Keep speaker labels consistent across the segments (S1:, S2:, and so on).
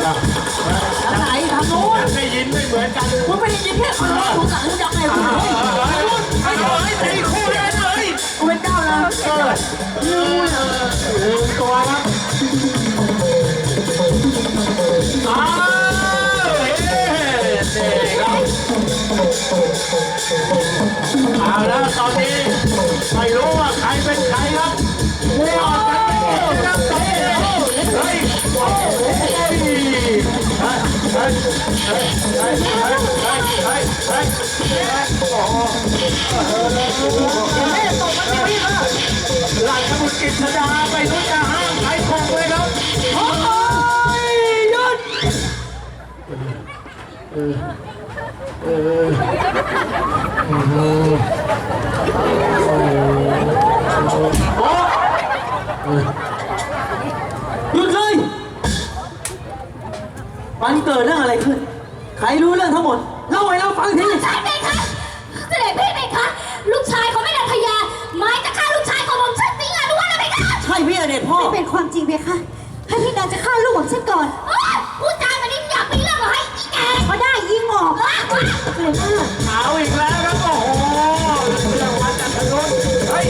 S1: ไหนทางโน้น
S2: ได้ยินไม่เหมือนกัน
S1: มึงไม่ได้ยินแค่คนละกูสั่งยังไงกู
S2: ไม่โดนตีคู่เลยเลย
S1: กูเป็นเจ้านะ
S2: ตัวครับเอาแล้วตอนนี้ไม่รู้ว่าใครเป็นใครครับไม่ออกกันครับเฮ้ยโอ้โหหลังสมุทรกิจดาไปรู้จะห้ามใครคงเลยครับโอ้ยหยุด
S1: หยุดเลยมันเกิดเรื่องอะไรขึ้นใครรู้เรื่องทั้งหมดเล่าให้เราฟังที
S3: ใช่ไหมคะเสด็จพี่ไหมคะลูกชายของแม่นางพญาหมายจะฆ่าลูกชายของผมฉันจริงหรือว่าอะไรคะ
S1: ใช่พี่อเดชพ่อ
S4: ไม่เป็นความจริงเพคะให้พี่นางจะฆ่าลูกของฉันก่อน
S3: พูดจาแบบนี้อยากมีเรื่องเหรอให้อีแก
S4: ก็ได้ยิงออกเลยมาก
S2: เอาอีกแล้วครับโอ้โหเรื่องวันจันทร์รุ่นเฮ้ย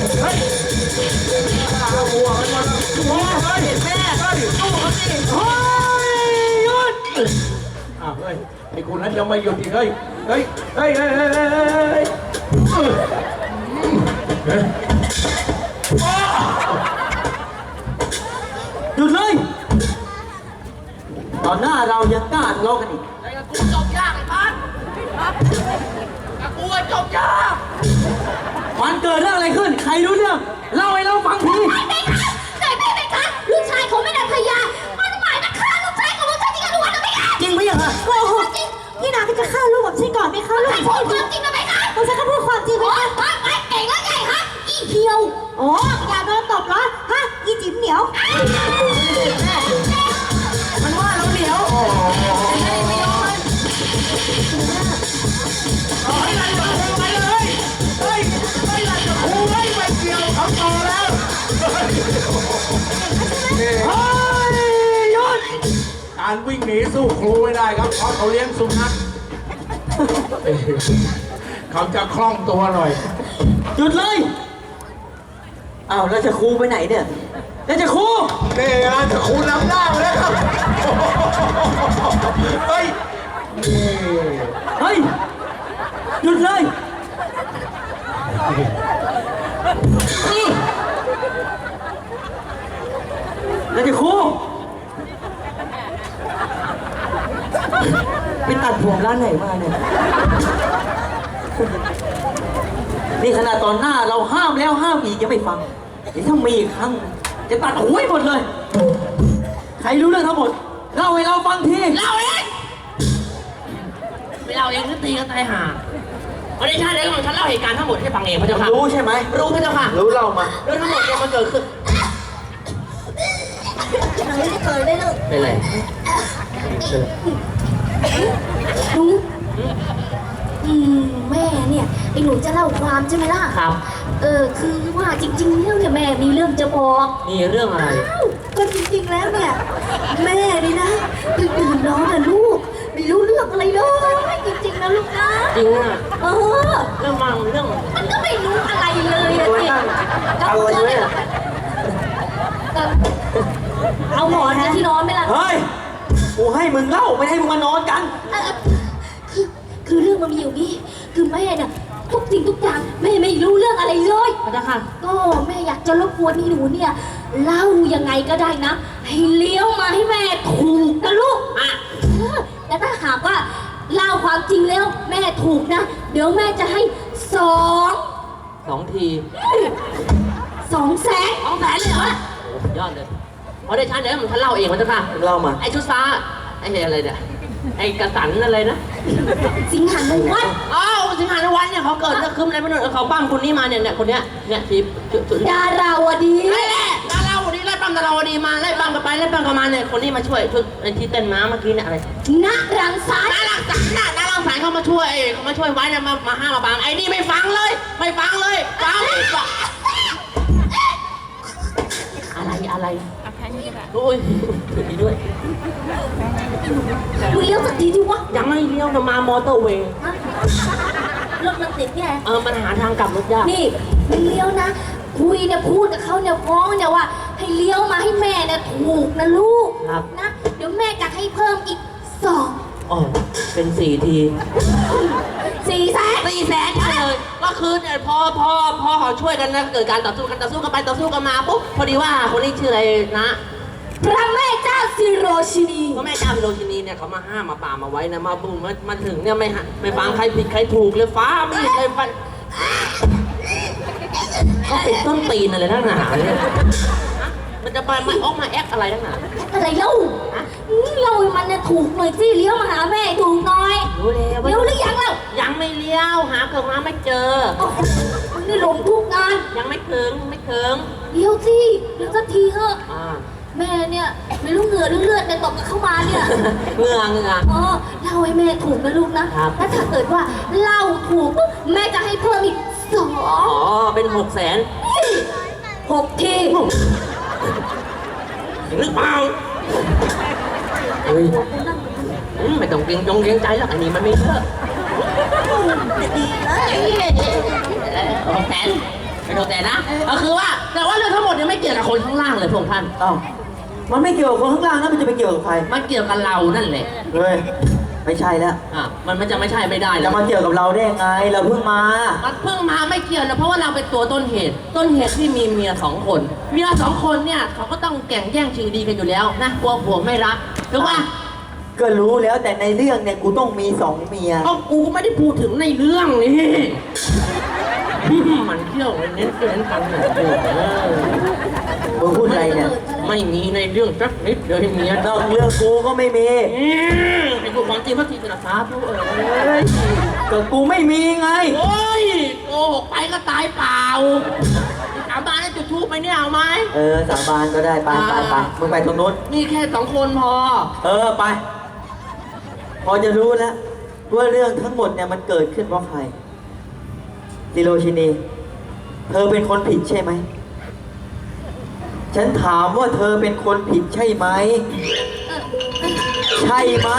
S2: หัวมันหมดหัวเฮ้ยแม่เฮ้ยสู้เขาสิเฮ้ยหยุดเฮ้ยไอ้คุณนั้นยังไม่หยุดอีกเฮ้ย
S1: หยุดเลยตอนหน้าเรายังกล้าทะเลาะกันอีก
S5: ไอ้กูจบยากไอ้พันกับกูจบยาก
S1: มันเกิดเรื่องอะไรขึ้นใครรู้เรื่องเล่าให้เราฟังที
S3: ไหมคะเสด็จพี่ไหมคะลูกชายของแม่นางพญามันหมายจะฆ่าลูกชายของผมฉันจริงหรือว่าอะไรคะ
S1: จริงไหมยังฮะ
S4: โกหกพี่นางก็จะฆ่าลูกของฉันก่อนไหมคะลูก
S3: พูดความจริงนะไหมคะ
S4: ผมจะพูดความจริงไหมคะ
S3: ไม่เก่งแล้วไงคะอีเพียว
S4: โอ้อย่าโดนตบเหรอฮะอีจิ๋มเหนียว
S1: มันว่าเราเหนียว
S2: การวิ่งหนีสู้ครูไม่ได้ครับเพราะเขาเลี้ยงสุนัขเขาจะคล่องตัวหน่อย
S1: หยุดเลยอ้าวแล้วจะครูไปไหนเนี่ยแล้วจะครู
S2: นี่นะจะครูนำหน้ามาแล้วครับเฮ้ย
S1: หยุดเลยนี่แล้วจะครูไปตัดผมร้านไหนมาเนี่ยนี่ขนาดตอนหน้าเราห้ามแล้วห้ามอีกยังไม่ฟังเดี๋ยวถ้ามีอีกครั้งจะตัดหัวให้หมดเลยใครรู้เรื่องทั้งหมดเล่าให้เราฟังที
S5: เล่าเองไม่เล่าเองก็ตีกันตายห่าวันนี้ชาติเด็กของฉันเล่าเหตุการณ์ทั้งหมดให้ฟังเองพระเจ้าค่ะ
S1: รู้ใช่ไหม
S5: รู้พระเจ้าค่ะ
S1: รู้เล่ามา
S5: เรื่องทั้งหมดเนี่ยมันเกิดขึ้น
S3: ไม่เคยได้เลย
S5: เป็นไร
S3: แม่เนี่ยไอ้หนูจะเล่าความใช่ไหมล่ะ
S5: ครับ
S3: คือว่าจริงๆแล้วเนี่ยแม่มีเรื่องจะบอก
S5: มีเรื่องอะไร
S3: ก็จริงๆแล้วเนี่ยแม่นี่นะตื่นนอนนะลูกไม่รู้เรื่องอะไรเลยจริงๆนะลูกนะ
S5: จริงอ่ะ
S3: เรื่องมันก็ไม่รู้อะไรเลยอะสิ
S1: อะไรเนี่ย
S3: เอาหมอนที่นอนไหมล่ะ
S1: เฮ้ยกูให้มึงเล่าไม่ให้มึงมานอนกัน
S3: คือเรื่องมันมีอยู่นี้คือแม่เนี่ยทุกสิ่งทุกอย่างแม่ไม่รู้เรื่องอะไรเลย
S5: นะคะ
S3: ก็แม่อยากจะรบกวนนี่หนูเนี่ยเล่ายังไงก็ได้นะให้เลี้ยวมาให้แม่ถูกนะลูกแต่ถ้าหากว่าเล่าความจริงแล้วแม่ถูกนะเดี๋ยวแม่จะให้สอง
S5: ที
S3: 200,000เลยเหรอ
S5: โอ้ยอดเลยพอได้ชาติเดี๋ยวมันเล่าเองมันจะค่ะ
S1: เล่ามา
S5: ไอ้ชุดฟ้าไอ้อะไรเนี่ยไอ้กระสันอะไรนะ
S3: สิงหานุวัฒน์
S5: สิงหานุวัฒน์เนี่ยเขาเกิดเรื่องคืมอะไรไม่รู้เขาปั้มคนนี้มาเนี่ยคนเนี้ยทิพย์
S3: ดาราวดี
S5: ดาราวดีไล่ปั้มดาราวดีมาไล่ปั้มกันไปไล่ปั้มกันมาเนี่ยคนนี้มาช่วยไอ้ที่เต้นม้าเมื่อกี้เนี่ยอะไร
S3: ณรังสรรค์
S5: ณรังสรรค์เขามาช่วยไว้เนี่ยมาห้ามมาบังไอ้นี่ไม่ฟังเลยฟังอะไรโอ้ยถือดีด้วย
S3: มึงเลี้ยวสักทีดิวะ
S5: ยังไม่เลี้ยวจะมามอเตอร์เวย์
S3: รถมันติดไง
S5: มันหาทางกลับรถยาก
S3: นี่มึงเลี้ยวนะคุยเนี่ยพูดกับเขาเนี่ยฟ้องเนี่ยว่า ให้เลี้ยวมาให้แม่เนี่ยถูกนะลูก
S5: ครับ
S3: นะเดี๋ยวแม่จะให้เพิ่มอีก2
S5: อ๋อเป็น4 ที
S3: 4 แสน
S5: 4 แสนเลยก็คือเนี่ยพอเขาช่วยกันนะเกิดการต่อสู้กันไปต่อสู้กันมาปุ๊บพอดีว่าคนนี้ชื่ออะไรนะ
S3: พระแม่เจ้าซิโรชินี
S5: พระแม่เจ้าพิโรชินีเนี่ยเขามาห้ามมาปรามมาไว้นะมาบุ้มมาถึงเนี่ยไม่ฟังใครผิดใครถูกเลยฟ้าไม่ใครฟันก็เป็นต้นตีนอะไรทั้งหนาเนี่ยมันจะไปออกมาแอคอะไรทั้งหนา
S3: อะไรเล่านี่เราให้มันเนี่ยถูกหน่อยสิเลี้ยวมาหาแม่ถูกหน่อย
S5: รู้แล้ว
S3: เลี้ยวหรือยังเล่า
S5: ยังไม่เลี้ยวหาเกิดมาไม่เจอ
S3: โอ้โหมึงนี่หลงทุกงาน
S5: ยังไม่ถึง
S3: เลี้ยวสิเลี้ยวสักทีเถอะ
S5: อ่า
S3: แม่เนี่ยไม่รู้เหงื่อหรือเลือดเนี่ยตกกันเข้ามาเนี่ย
S5: เงื่อ
S3: เล่าให้แม่ถูกนะลูกนะครับ แล้วถ้าเกิดว่าเล่าถูกปุ๊บแม่จะให้เพิ่มอีก2
S5: อ๋อเป็น6 แสน
S3: 6 ที
S5: หรือเปล่าเฮ้ยไม่ต้องเกรงใจหรอกอันนี้มันไม่เยอะ6 แสนเป็น6 แสนนะก็คือว่าแต่ว่าเรื่องทั้งหมดเนี่ยไม่เกี่ยวกับคนข้างล่างเลยพระองค์ท่าน
S1: อ้าวมันไม่เกี่ยวกับคนข้างล่างนะมันจะไปเกี่ยวกับใคร
S5: มันเกี่ยวกับเรานั่นแหละ
S1: เฮ้ยไม่ใช่แล้ว
S5: มันจะไม่ใช่ไม่ได้
S1: จะ
S5: แล้ว
S1: มาเกี่ยวกับเราได้ยังไงเราเพิ่งมา
S5: มันเพิ่งมาไม่เกี่ยวนะเพราะว่าเราเป็นตัวต้นเหตุที่มีเมีย2 คนเมีย2 คนเนี่ยเขาก็ต้องแข่งแย่งชิงดีกันอยู่แล้วนะกลัวผัวไม่รักถูกป่ะ
S1: ก็รู้แล้วแต่ในเรื่องเนี่ยกูต้องมี2 เมีย
S5: ก็กูไม่ได้พูดถึงในเรื่องนี่ มันเที่ยวเน้นกันหน่อยเดียว
S1: มึงพูดอะไรเนี่ย
S5: ไม่มีในเรื่องสักนิดเดียวให้เมีย
S1: น
S5: ต้
S1: อ
S5: อง
S1: กเรื่องกูก็ไม่มี
S5: ไอ้กูความจริงพระทีจะสาธุ
S1: เฮ้ยก็กูไม่มีไง
S5: โอ้ยโกหกไปก็ตายเปล่าสาบานให้จุดทูปไปเนี่ยเอาไหม
S1: สาบานก็ได้ไปมึงไปตรงนู้น
S5: นี่แค่2 คนพอ
S1: ไป พอจะรู้แล้วว่าเรื่องทั้งหมดเนี่ยมันเกิดขึ้นเพราะใครซิโรชินี เธอเป็นคนผิดใช่ไหม ฉันถามว่าเธอเป็นคนผิดใช่ไหม ใช่ไหม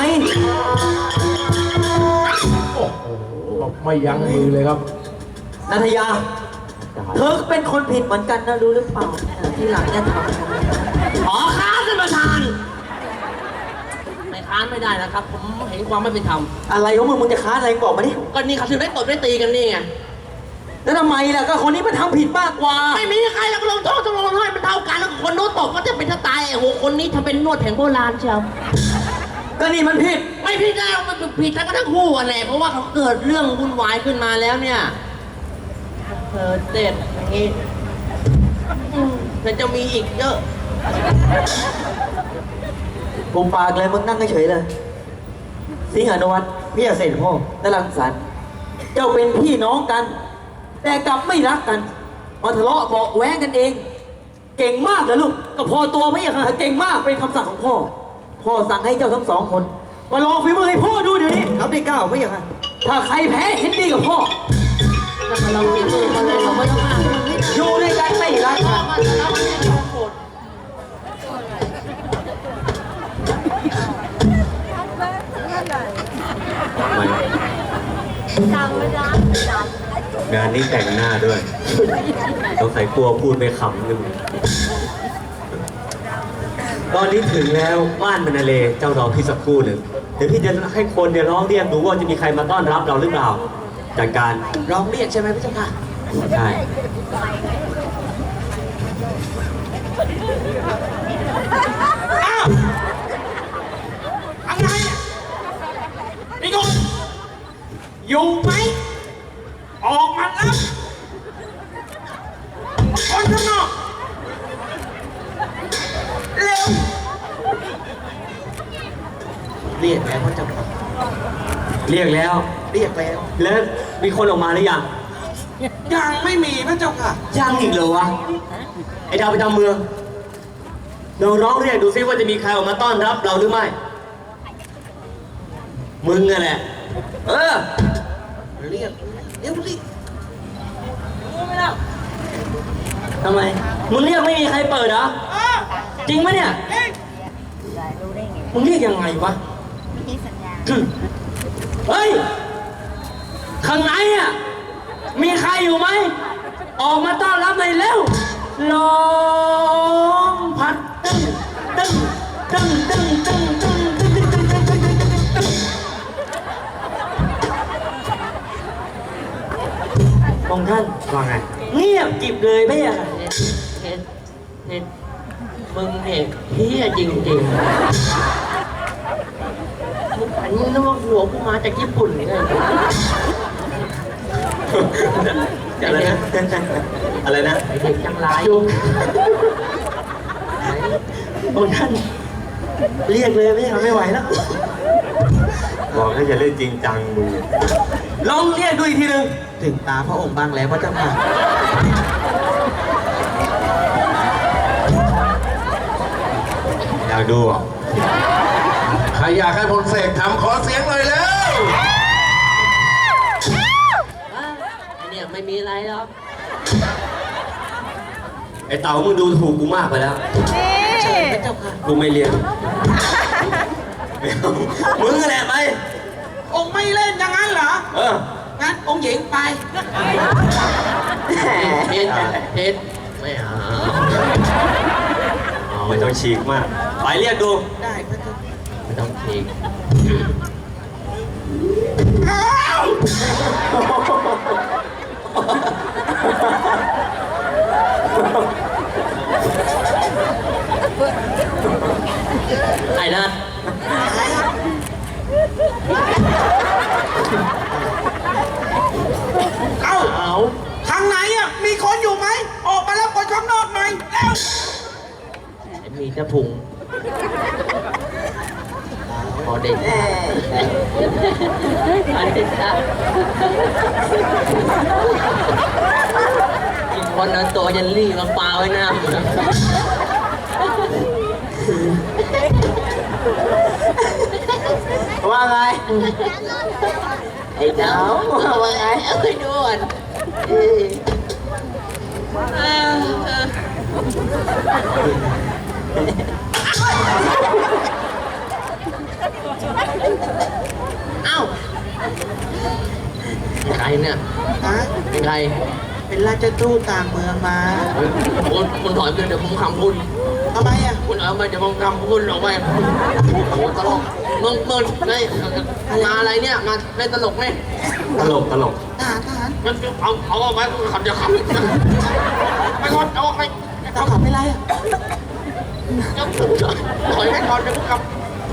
S2: ไม่ยั้งมือเลยครับ
S1: นัทยา เธอเป็นคนผิดเหมือนกันนะรู้หรือเปล่าที่หลังเนี่ยทำ
S5: ขอค้านท่านประธานไม่ค้านไม่ได้นะครับ ผมเห็นความไม่เป็นธรรม
S1: อะไรของมึงจะค้านอะไรบอกมาดิ
S5: ก็นี่เขาถึงได้ตบได้ตีกันนี่ไง
S1: แล้วทำไมล่ะก็คนนี้มันทำผิดมากกว่า
S5: ไม่มีใครแล้วก็ลงโทษต้องลงโทษมันเท่ากันแล้วคนโน้นตบก็จะเป็นจะตายโอ้โหคนนี้ทำเป็นนวดแผนโบราณเชียว
S1: ก็นี่มันผิด
S5: ไม่ผิดแล้วมันผิดแล้วก็ทั้งคู่อ่ะแหละเพราะว่าเขาเกิดเรื่องวุ่นวายขึ้นมาแล้วเนี่ยเด็ดอย่างงี้มันจะมีอีกเยอะ
S1: ปุงปากเลยมึงนั่งเฉยๆเลย สิงห์อนุวัฒน์พี่เสด็จพ่อและรังสรรค์เจ้าเป็นพี่น้องกัน แต่กลับไม่รักกันมาทะเลาะเบาะแว้งกันเอง เก่งมากเลยลูกก็พอตัวพี่ค่ะเก่งมากเป็นคำสั่งของพ่อ พ่อสั่งให้เจ้าทั้ง2 คนมาลองฝีมือให้พ่อดูเดี๋ยวนี้ครับได้9พี่ค่ะถ้าใครแพ้เห็นดีกับพ่อ
S5: แล้วมาลองฝีมือมาเลยเราไม่ต้องอ้าง
S1: อยู่ด้วยกันไม่รักกัน
S5: มันแล้วมันจะโกรธ
S6: งานนี้แต่งหน้าด้วยต้องใส่กลัวพูดไม่ขำนึงตอนนี้ถึงแล้วบ้านมนาเลเจ้ารอพี่สักครู่หนึ่งเดี๋ยวพี่จะให้คนเดี๋ยวร้องเรียกดูว่าจะมีใครมาต้อนรับเราหรือเปล่าจัดการ
S5: ร้องเรียกใช่ไหมพี่เจ้าค่ะ
S6: ใช่
S2: อะไรนี่คุณอยู่ไหม ออกมาแล้วคนข้างนอกเร็ว
S5: เรียกแล้วเขาจะ
S6: เรียกแล้ว
S5: เรียกแล้ว
S6: แล้วมีคนออกมาหรือยัง
S2: ยังไม่มีพระเจ้าค่ะ
S6: ยังอีกเหรอวะไอ้ดาวประจำเมืองเราร้องเรียกดูซิว่าจะมีใครออกมาต้อนรับเราหรือไม่มึงนั่นแหละ
S5: เรียกเร็วรีบ
S6: ทำไมมึงเรียกไม่มีใครเปิดเหรอจริงไหมเนี่ยมึงเรียกยังไงวะเฮ้ย ข้างในอ่ะ มีใครอยู่ไหม ออกมาต้อนรับหน่อยเร็วลมพัดตึ้งตึ้งตึ้งตึ้งตึ้งตึ้งตึ้งตึ้งตึ้งตึ้งตึ้งตึ้งตึ้งองค์ท่านว่าไง เงียบกิบเลยไม่อะ
S5: เห็นมึงเนี่ยเฮียจริงๆอันนี้นึกว่าหัวกูมาจากญี่ปุ่นไง
S6: อะไรนะ อะไรนะ
S5: ไอเด็กจังไร
S6: องค์ท่าน เรียกเลยไม่ไหวแล้ว บอกให้อย่าเล่นจริงจังมึงลองเรียกดูอีกทีหนึ่ง
S1: ถึงตาพระองค์บ้างแล้วพระเจ้าค่ะ
S6: อยากดูอ่ะ
S2: ใครอยากให้พลเสกทำขอเสียงหน่อยแล้ว
S5: ไอเนี่ยไม่มีอะไรหรอก
S6: ไอเต่ามึงดูถูกกูมากไปแล้ว
S1: เชิญพระเจ้าค่ะ
S6: กูไม่เรียนไม่เอามึงแหละไป
S7: องค์ไม่เล่นอย่างนั้นเหรอ
S6: เออ
S7: งั้นองค์หญิงไป
S5: เห็นไม่เอา
S6: อ๋อไม่ต้องฉีกมาก ไปเรียกดู
S7: ได้พระเจ้า
S5: ไม่ต้องทีไอ้นะ
S7: เอ้า
S5: เอา
S7: ข้างในอ่ะมีคนอยู่ไหม ออกมาแล้วคนข้างนอกหน่อยเร็ว
S5: มีแต่พุงพอเด็กอันเด็กนะอีกคนเอาตัวยันลี่มาปาไว้หน้า
S1: ว่าไง
S5: ไอ้เจ้าว่าไงเอาไปดูก่อนเอ้าใครเนี่ย
S7: ฮะ
S5: เป็นใคร
S7: เป็นราชทูตต่างเมืองมา
S5: คุณถอยไปเดี๋ยวผมคำคุณ
S7: ทำไมอ่ะ
S5: คุณเอาไปเดี๋ยวผมคำคุณออกไปโอ้ตลกมึงได้มาอะไรเนี่ยมาเล่นตลกไหม
S6: ตลก
S7: ทหาร
S5: มันเอาออกไปขับเดี๋ยวขับไปก่อนเอาออกไป
S7: เขาขับไม่ไรอ่ะ
S5: ถอยไปก่อนเดี๋ยวผมขับ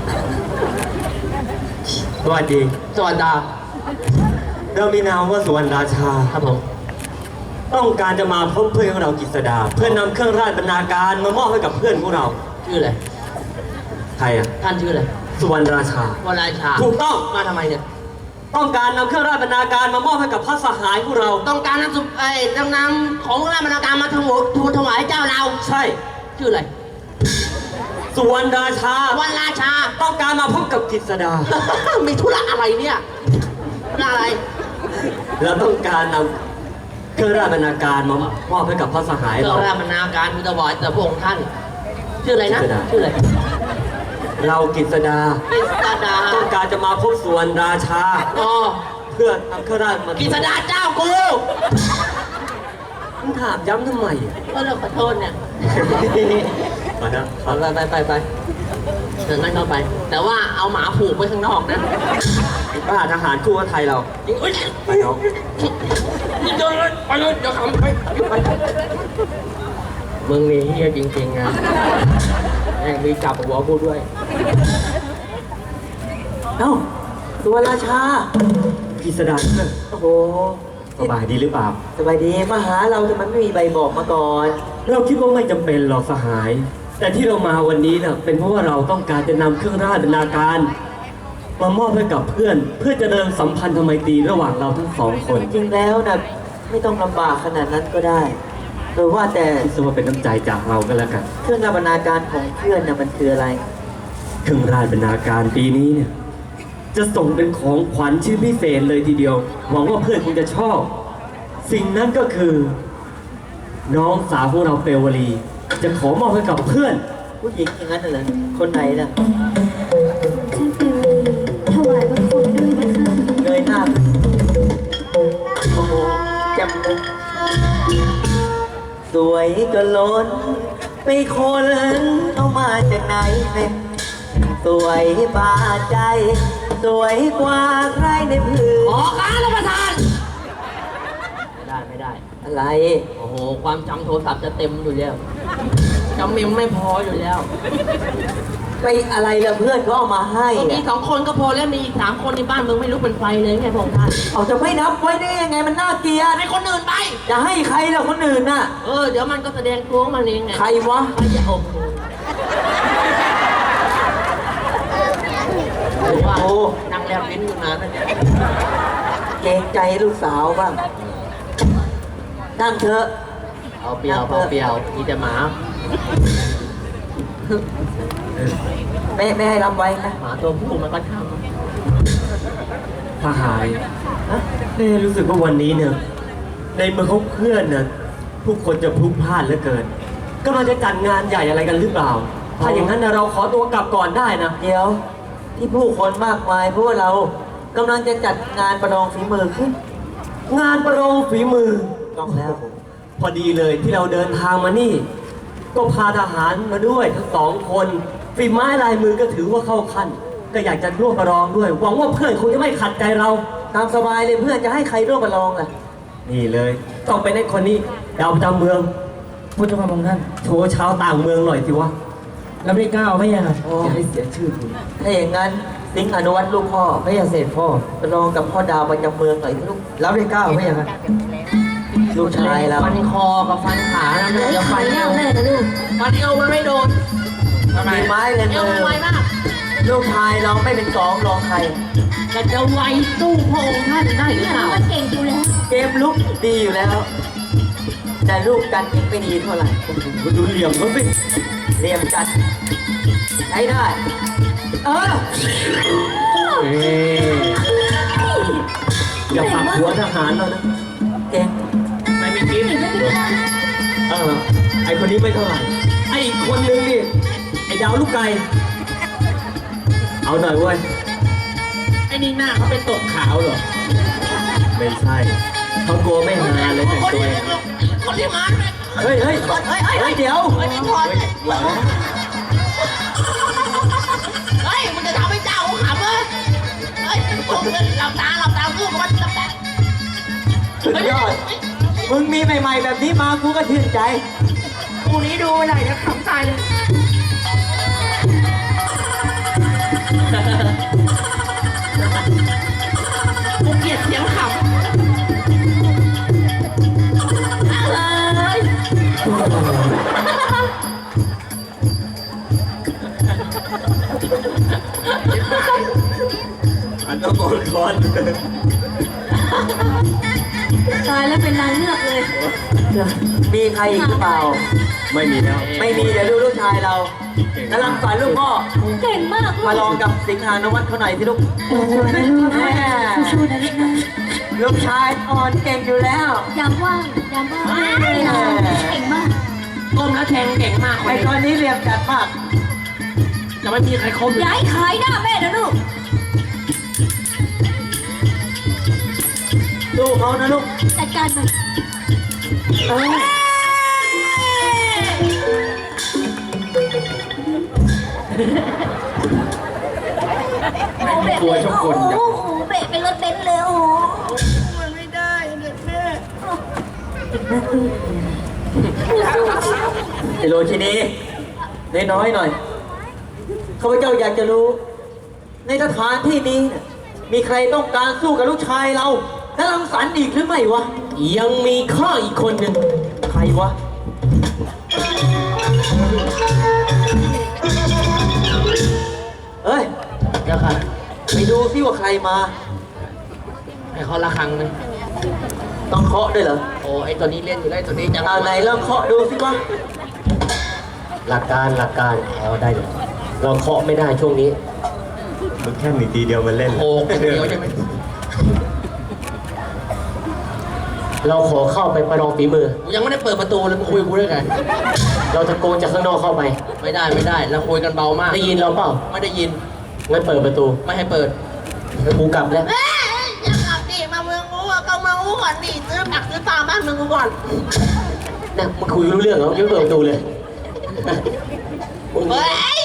S6: สวัสดี
S5: สวัสดี
S6: เรามีนามว่าสุวรรณราชา
S5: ครับผม
S6: ต้องการจะมาพบเพื่อนของเรากฤษดา เพื่อนำเครื่องราชบรรณาการมามอบให้กับเพื่อนของเรา
S5: ชื่ออะไร
S6: ใครอ่ะ
S5: ท่านชื่ออะไร
S6: สุวรรณราชา
S5: วราชา
S6: ถูกต้อง
S5: มาทำไมเนี่ย
S6: ต้องการนำเครื่องราชบรรณาการมามอบให้กับพระสหายของเรา
S5: ต้องการนำนำของราชบรรณาการมาทูลถวายเจ้าเรา
S6: ใช่
S5: ชื่ออะไร
S6: สุวรรณราชา
S5: วันราชา
S6: ต้องการมาพบกับกฤษดา
S5: มีธุระอะไรเนี่ยธุระอะไร
S6: เราต้องการนำเครื่องราชบรรณาการมามอบให้กับพระสหาย
S5: เจ้า
S6: เรา
S5: ราชบรรณาการทูลถวายแต่พระองค์ท่าน ชื่ออะไรนะ
S6: กฤษดา
S5: ชื่ออะไร
S6: เรากฤษดา
S5: กิษดา
S6: ต้องการจะมาพบสุวรรณราชา
S5: อ๋อ
S6: เพื่อนำเครื่องราชมา
S5: กิษดาเจ้ากู
S6: มึงถามย้ำทำไมอ่ะ
S5: ก็เลยขอโทษเนี่ย
S6: มานะ
S5: ไปเดินนั่งเข้าไป แต่ว่าเอาหมาผูกไว้ข้างนอกนะ
S6: ป้าทหารคู่กับไทยเรา
S5: จริงเอ้ย
S6: ไปน้อง
S5: นี่เดินเลยไปเลยเดี๋ยวขับไปมึงนี่เฮียจริงๆนะแม่งมีจับหัวกูด้วย
S1: เอ้าสุวรรณราชา
S6: กฤษดาเพื่อน
S1: โอ้โห
S6: สบายดีหรือเปล่า
S1: สบายดีมาหาเราแต่มันไม่มีใบบอกมาก่อน
S6: เราคิดว่าไม่จำเป็นหรอกสหาย แต่ที่เรามาวันนี้เนี่ยเป็นเพราะว่าเราต้องการจะนำเครื่องราชบรรณาการมามอบให้กับเพื่อน เพื่อจะเดินสัมพันธไมตรีระหว่างเราทั้งสองคน
S1: จริงๆแล้วนะไม่ต้องลำบากขนาดนั้นก็ได้หรือว่าแต่
S6: คิดซะว่าเป็นน้ำใจจากเราก็แล้วกัน
S1: เครื่องบรรณาการของเพื่อนนะมันคืออะไร
S6: เครื่องราชบรรณาการปีนี้เนี่ยจะส่งเป็นของขวัญชิ้นพิเศษเลยทีเดียว หวังว่าเพื่อนคงจะชอบ สิ่งนั้นก็คือ น้องสาวของเราเปลวลี จะขอมอบให้กับเพื่อน
S1: ผู้หญิงอย่างนั้นน่ะเหรอคนไหนน่ะ
S3: ฉันเป็น
S1: จนล้นไปคนเอามาจากไหนเนี่ยสวยบาดใจ สวยกว่าใครในพื้น
S5: ออกการรับประทาน ไม่ได้
S1: อะไร
S5: โอ้โห ความจำโทรศัพท์จะเต็มอยู่แล้วจำเมมไม่พออยู่แล้ว
S1: ไปอะไรล่ะเพื่อนเขาเอามาให้
S5: ก็มี
S1: อะ
S5: 2 คนก็พอแล้วมีอีก3 คนในบ้านมึงไม่รู้เป็นไฟเลยไงพระองค์ท่าน
S1: เอาจะไม่นับไว้ได้ยังไงมันน่าเกลียด
S5: ให้คนอื่นไป
S1: จะให้ใครล่ะคนอื่นน่ะ
S5: เดี๋ยวมันก็แสดงตัวของมันเองไง
S1: ใครวะ
S5: ใครจะอบหรือว่านั่งแลบลิ้นอยู่นานนะเนี่ย
S1: เกรงใจลูกสาวบ้างนั่งเถอะ
S5: เอาเปรียวเอาเปรียวมีแต่หมา
S1: แม่ให้รับไว้นะ
S5: หมาตัวผู้มันก็ท
S6: ทหารเน่รู้สึกว่าวันนี้เนี่ยในเมืองเขาเพื่อนเนี่ยผู้คนจะพลุกพล่านเหลือเกินกำลังจะจัดงานใหญ่อะไรกันหรือเปล่า ถ้าอย่างนั้นเราขอตัวกลับก่อนได้นะ
S1: เดี๋ยวที่ผู้คนมากมายเพราะว่าเรากำลังจะจัดงานประลองฝีมือขึ้น
S6: งานประลองฝีมือ
S1: ต้องแล้ว
S6: พอดีเลยที่เราเดินทางมานี่ ก็พาทหารมาด้วยทั้ง2 คนฝีไม้ลายมือก็ถือว่าเข้าขั้น ก็อยากจะร่วมประลองด้วย หวังว่าเพื่อนคงจะไม่ขัดใจเรา
S1: ตามสบายเลยเพื่อนจะให้ใครร่วมประลองล่ะ
S6: นี่เลยต้องเป็นไอ้คนนี้ดาวประจำเมืองพุทธมงท่านโชว์ชาวต่างเมืองหน่อยสิวะแล้วไม่กล้าไม่ยังจะให้เสียชื่อคุณ
S1: ถ้าอย่างนั้นสิงห์อนุวัฒน์ลูกพ่อไม่อยากเสร็จพ่อประลองกับพ่อดาวประจำเมืองหน่อยสิลูกรับได้9ไม่อย่างนั้นลูกชายเรา
S5: ฟันคอกับฟันขานะมันจะฟันเอวแน่นะลูกฟันเอวมันไม่โดน
S1: มีไม้เลย
S5: เอว
S1: มื
S5: มัน
S1: อ
S5: ไวมาก
S1: ลูกชายเราไม่เป็น2รองใคร
S5: แต่จะไวตู้พระองค์ท่านได้หรือ
S3: เนี่ย
S5: เปล่า
S3: มันเก่งอยู่แล้ว
S1: เกมลุกดีอยู่แล้ว แต่ลูกกันยิงไม่ดีเท่าไหร่
S6: คุณดูเหลี่ยมเขาสิ
S1: เรียมจัดใช้ได้ เออ
S6: อย่าปักหัวทหารเรานะ
S1: เก่ง
S6: ไม่มีกิ๊บไอคนนี้ไม่เท่าไหร่ ไออีกคนนึงนี่ ไอดาวลูกไก่ เอาหน่อยเว้ย
S5: ไอ้นี่หน้าเขาเป็นตกขาวเหรอ
S6: ไม่ใช่เขากลัวไม่หาเลยแต่งตัวเอง
S5: คนที่มา
S1: เฮ้ยเฮ้ยเฮ้ยเดี๋ยว
S5: เฮ้ยมึงจะทำให้เจ้าเขาขำเลยเฮ้ยหลับตาลูกมันหลับตา
S1: สุดยอด มึงมีใหม่ๆแบบนี้มากูก็ชื่นใจ
S5: กูนี้ดูไม่ได้จะขำตายเลยกูเกลียดเสียงขำ
S6: อันต้องโกนคอน
S3: ตายแล้วเป็นนางเงือกเลย
S1: มีใครอีกหรือเปล่า
S6: ไม่มีแล้ว
S1: ไม่มีเดี๋ยวดูลูกชายเรากำลังสอนลูกพ่อ
S3: เก่งมาก
S1: มาลองกับสิงหานวัฒน์เขาหน่อยสิลูก
S3: สู้ๆนะลูกนะสู้ๆนะลูกนะ
S1: ลูกชายอ่อนเก่งอยู่แล้ว
S3: ยามว่างเลยนะเก่งมาก
S5: ก้มแล้วแทงเก่งมาก
S1: ไอ้ตอนนี้เรียมจัดมาก
S5: จะไม่มีใครคม
S3: ย้ายขายหน้าแม่นะลูก
S1: สู้เขานะลูก
S3: จัดการมัน
S1: เออ
S3: โอ้โหเบะเป็นรถเบนซ์เลยโอ้โห
S5: มันไม่ได้เด็กแม่
S1: ไอ้โรชินีน้อยๆหน่อยข้าพเจ้าอยากจะรู้ ในสถานที่นี้เนี่ยมีใครต้องการสู้กับลูกชายเราและรังสรรค์อีกหรือไม่วะ
S6: ยังมีข้ออีกคนหนึ่ง
S1: ใครวะ เฮ้ย
S5: เดี๋ยวค่ะ
S1: ไปดูซิว่าใครมา
S5: ให้เขาละครังเลย
S1: ต้องเคาะด้วยเหรอ
S5: โอ้ไอตัวนี้เล่นอยู่ได้ตัวนี้จะ
S1: เอาไหนลองเคาะดูสิวะ
S6: หลักการเอาได้เลยเราเคาะไม่ได้ช่วงนี้มันแค่มีทีเดียวมันเล่น
S5: โอ้เดียวใช่ไหม
S6: เราขอเข้าไปประลองฝีมือ
S5: กูยังไม่ได้เปิดประตูเลยมึงคุยกับกูได้ไง
S6: เราจะโกงจากข้างนอกเข้าไป
S5: ไม่ได้เราคุยกันเบามาก
S6: ได้ยินเราเปล่า
S5: ไม่ได้ยิน
S6: งั้นเปิดประตู
S5: ไม่ให้เปิด
S6: แล้วกูกลับแล้ว
S5: อย่ากลับดิมาเมืองกูอะก็มากูก่อนดิซื้อผักซื้อปลาบ้านเมืองกูก่อน
S6: นะมาคุยรู้เรื่องเหรอยังเปิดประตูเลย
S5: เฮ้ย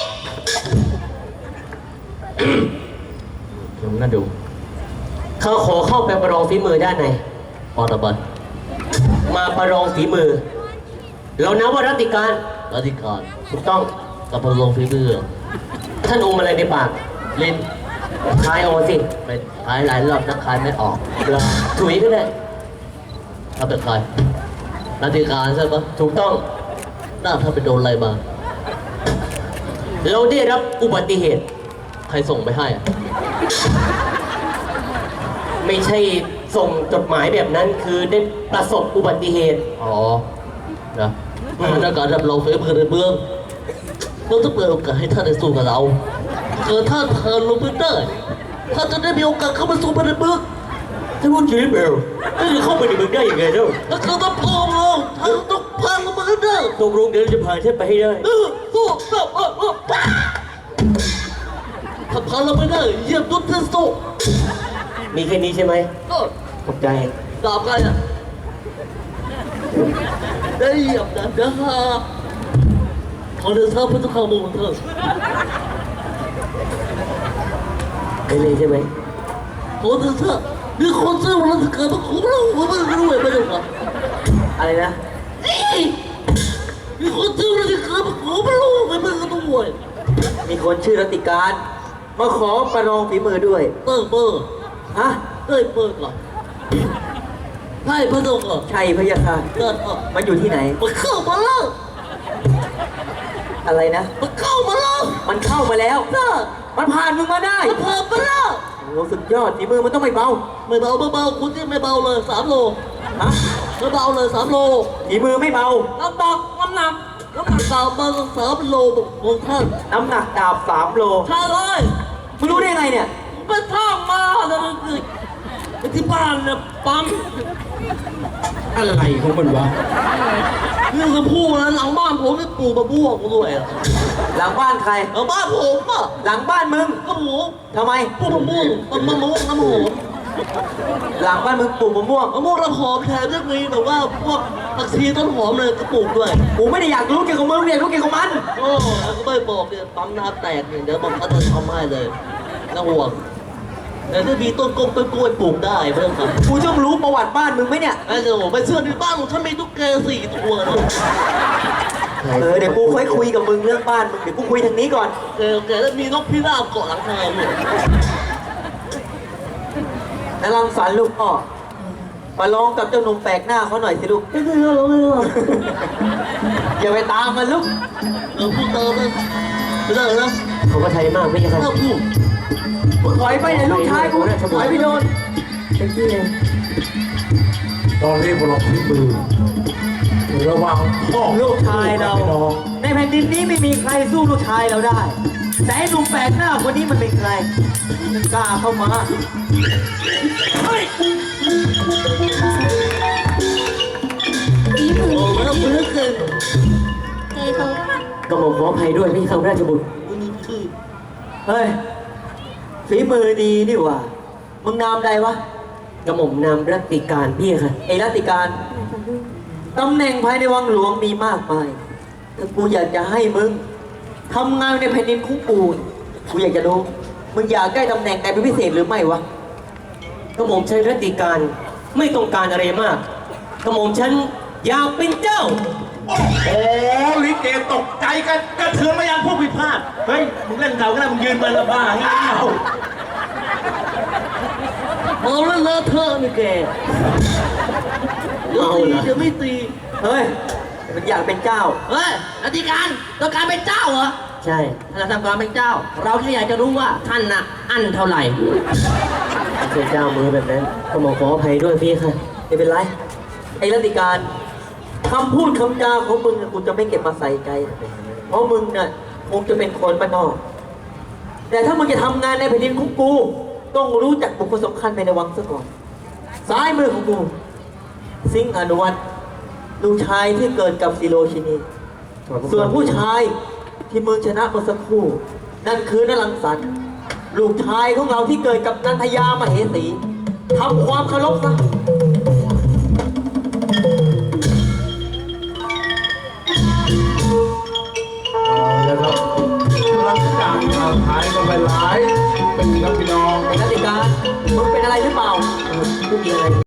S6: ลองน่าดูเขาขอเข้าไปประลองฝีมือด้านในออตบันมาประลองฝีมือ เรานับว่ารัตติการถูกต้องกับประลองฝีมือ ท่านอมอะไรในปากลิ้นคายออกมาสิไปคายหลายรอบนักคายไม่ออกถุยก็ได้ถ้าเป็นใครรัตติการใช่ปะถูกต้องน่าถ้าไปโดนอะไรมาเราได้รับอุบัติเหตุใครส่งไปให้อะไม่ใช่ส่งจดหมายแบบนั้นคือได้ประสบอุบัติเหตุอ๋อนะในการรับรองฝีมือในเมืองเราต้องเปิดโอกาสให้ท่านได้สู้กับเราเกิดท่านเทินลงพื้นได้ท่านจะได้มีโอกาสเข้ามาสู้ในเมืองท่านพูดจริงเปล่าท่านจะเข้าไปในเมืองได้ยังไงเล่าถ้าเกิดต้องพองเราท่านต้องพาเรามาให้ได้ตกลงเดี๋ยวจะพาท่านไปให้ได้สู้ถ้าพาเราไม่ได้เยี่ยมดุจท่านสู้มีแค่นี้ใช่ไหมขอบใจตอบกันอ่ะได้เหยียบนะฮะขอเดินทางพุทธคามูเถอะได้เลยใช่ไหมขอเดินทางมีคนซื้อวันละเกิดมาคุ้มเราไม่รู้ไม่รู้ครับอะไรนะมีคนซื้อวันละเกิดมาคุ้มเราไม่รู้ด้วย
S1: มีคนชื่อรัตติการมาขอประลองฝีมือด้วย
S6: เปิด
S1: ฮะ
S6: เปิดก่อนใช่พระองค์เหรอ
S1: ใช่พะยะค่ะ
S6: เกิด
S1: มันอยู่ที่ไหน
S6: มันเข้ามาแล้ว
S1: อะไรนะ
S6: มันเข้ามาแล้ว
S1: มันเข้ามาแล้วมันผ่านมึงมาได้
S6: มันผ่านมาแล้ว
S1: โอ้สุดยอดฝีมือมันต้องไม่เบา
S6: คุณที่ไม่เบาเลย3 โล
S1: ฮะ
S6: ไม่เบาเลย3 โล
S1: ฝีมือไม่เบา
S6: น้ำหนักดาบมา3 โลของท่าน
S1: น้ำหนักดาบ3 โล
S6: ใช่เลย
S1: มึงรู้ได้ไงเนี่ย
S6: ไปท่องมาแล้วไปที่บ้านเนี่ยปั๊ม
S2: อะไรของมันวะ
S6: เรื่องจะพูดนะหลังบ้านผมนี่ปลูกมะม่วงด้วย
S1: หลังบ้านใคร
S6: หลังบ้านผมอ่ะ
S1: หลังบ้านมึง
S6: ก็หมู
S1: ทำไม
S6: ปลูกมะม่วงน้ำหอม
S1: หลังบ้านมึงปลูกมะม่วง
S6: น้ำหอมแทนเรื่องนี้แบบว่าพวกผักชีต้นหอมเลยก็ปลูกด้วย
S1: กูไม่ได้อยากรู้เกี่ยวกับมึงเนี่ยรู้เกี่ยวกับมัน
S6: โอ้แล้วก็ไม่บอกเนี่ยปั๊มน้ำแตกเนี่ยเดี๋ยวผมก็จะทำให้เลยน่าห่วงแต่ถ้ามีต้นกล้วยปลูกได้เพื่อนครับ
S1: กูต้องรู้ประวัติบ้านมึงไหมเนี่ย
S6: เดี๋ยวไปเชื่อในบ้านของฉันมีตุ๊กแก4 ตัวนะ
S1: เดี๋ยวกูค่อยคุยกับมึงเรื่องบ้านมึงเดี๋ยวกูคุยทางนี้ก่อน
S6: โอเคแล้วมีนกพิราบเกาะหลังคาอยู่
S1: นรังสรรค์ลูกพ่อมาลองกับเจ้าหนุ่มแปลกหน้าเขาหน่อยสิลูก
S6: ไม่ได้
S1: อย่าไปตามมันลูก
S6: พูดเติมเลยไม่ได้นะ
S1: เขาก็ไทยมากไม่ใช่ครับ
S6: พูด
S1: ถอยไปเนี่ยลูกชายกูถอยไปโดน
S2: ตอนนี้พวกเราพิมือระวังพ่อ
S1: ลูกชายเราในแผ่นดินนี้ไม่มีใครสู้ลูกชายเราได้แต่ไอ้หนุ่มแปลกหน้าคนนี้มันเป็นใครมันกล้าเข้ามา
S3: ฝีมือ
S6: แล้วมือเกิน
S1: ก็บอกขออภัยด้วยพี่ข้าราชบุตรเฮ้ยฝีมือดีนี่หว่ามึงนามใดวะกระหม่อมนามรัตติการพี่ค่ะไอ้รัตติการตำแหน่งภายในวังหลวงมีมากมายถ้ากูอยากจะให้มึงทำงานในแผ่นดินของกูอยากจะรู้มึงอยากได้ตำแหน่งไหนเป็นพิเศษหรือไม่วะกระหม่อมฉันรัตติการไม่ต้องการอะไรมากกระหม่อมฉันอยากเป็นเจ้า
S2: โอ้ลิเกตกใจกันกระเทือนมายังพวกผิดพลาดเฮ้ยมึงเล่นเก่าก็ได้มึงยืนมาละบ้าเงี้ย
S6: เอาแล้วเลอะเทอะนี่แกจะไม่ตี
S1: เฮ้ยมันอยากเป็นเจ้า
S5: เฮ้ยอธิการต้องการเป็นเจ้าเหรอ
S1: ใช่
S5: ถ้าทำการเป็นเจ้าเราแค่อยากจะรู้ว่าท่านน่ะอั้นเท่าไหร่
S1: ไม่ใช่เจ้ามือแบบนั้นก็ขออภัยด้วยพี่ค่ะไม่เป็นไรไอ้รัตติการคำพูดคำจาของมึงกูจะไม่เก็บมาใส่ใจเพราะมึงน่ะคงจะเป็นคนบ้านนอกแต่ถ้ามึงจะทำงานในแผ่นดินของกูต้องรู้จักบุคคลสำคัญในวังซะก่อนซ้ายมือของกูสิงห์อนุวัฒน์ลูกชายที่เกิดกับศิโรชินีส่วนผู้ชายที่มึงชนะเมื่อสักครู่นั่นคือนรังสรรค์ลูกชายของเราที่เกิดกับนันทยามเหสีทำความเคารพซะไม่มีอะไร